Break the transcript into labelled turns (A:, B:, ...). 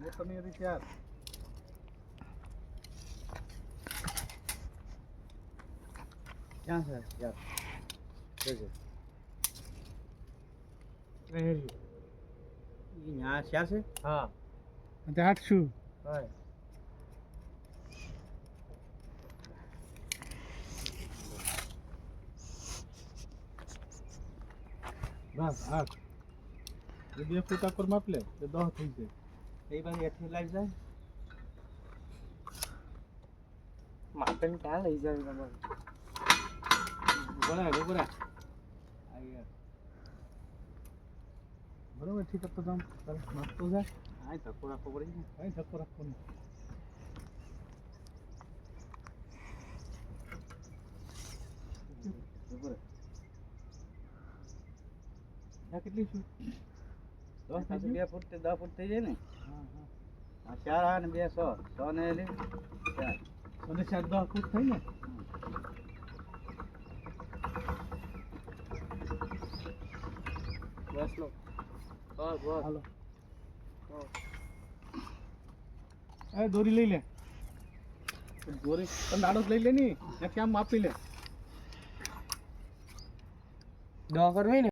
A: वो तो नहीं रही यार क्या है यार देखो ये यहाँ शहर से
B: हाँ
A: आठशो
B: হয়
A: बस 8 যদি ফুটা করে মাপলে তো 10 হইছে এইবার এঠে লাগ যায়
B: মাপেন क्या લઈ જાય તમારે
A: બરાબર આયા બરાબર ঠিক તો দাম তাহলে মাপতো যায় আই ধক্কো রাখো পড়ি না আই ধক্কো রাখো না উপরে આ કેટલી છું 10 થી 2 ફૂટ થી 10 ફૂટ થઈ જાય ને હા હા આ 4 અને 2 100 100 ને લે 4 અને 4 10 ફૂટ થઈ ને
B: બસ લો બસ બસ
A: હાલો એ દોરી લઈ લે દોરી પણ દાડો લઈ લે ની ત્યાં માપી લે
B: દવા કરવી ને